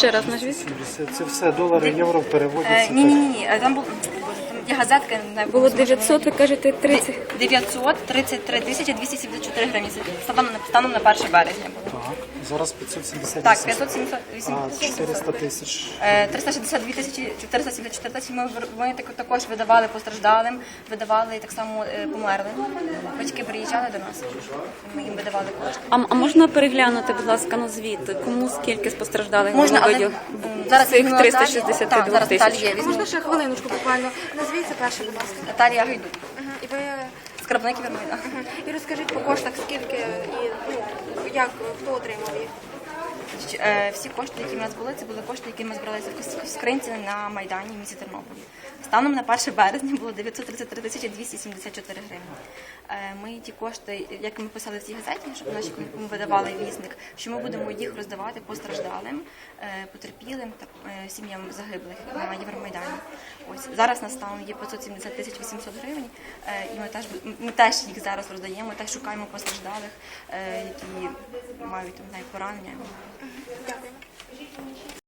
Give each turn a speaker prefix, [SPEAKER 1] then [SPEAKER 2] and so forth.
[SPEAKER 1] Ще раз назвіть.
[SPEAKER 2] Це все долари, євро переводяться.
[SPEAKER 3] Ні. Там є газетка.
[SPEAKER 1] Було 900, ви кажете, 30.
[SPEAKER 3] 933 тисячі 274 гривні. Станом на 1 березня було.
[SPEAKER 2] Так, зараз 570.
[SPEAKER 3] Так,
[SPEAKER 2] А
[SPEAKER 3] 578
[SPEAKER 2] 400 тисяч.
[SPEAKER 3] 362 тисячі 474 тисячі ми також видавали постраждалим, видавали так само померлим. Батьки приїжджали до нас, ми їм видавали кошти.
[SPEAKER 1] А можна переглянути, будь ласка, на звіт? Кому скільки постраждалих
[SPEAKER 3] Можна, але
[SPEAKER 1] видів?
[SPEAKER 3] зараз
[SPEAKER 1] Цих
[SPEAKER 3] візьму
[SPEAKER 1] 362
[SPEAKER 3] Наталію. Так, зараз
[SPEAKER 1] тисяч.
[SPEAKER 3] Наталія візьму.
[SPEAKER 4] Можна ще хвилиночку буквально? Назвіться перше, будь ласка.
[SPEAKER 3] Наталія Гайдук,
[SPEAKER 4] І ви
[SPEAKER 3] скарбник Вірмайна.
[SPEAKER 4] і розкажіть по коштах, скільки і як хто отримав їх?
[SPEAKER 3] Всі кошти, які в нас були, це були кошти, які ми збиралися в скринці на Майдані в місті Тернополі. Станом на 1 березня було 933 тисячі 274 гривні. Ми ті кошти, як ми писали в цій газеті, щоб наші ми видавали вісник, що ми будемо їх роздавати постраждалим, потерпілим та сім'ям загиблих на Євромайдані. Ось зараз на станом є 570 тисяч 800 гривень, і ми теж їх зараз роздаємо, теж шукаємо постраждалих, які мають там поранення.
[SPEAKER 4] Дякую.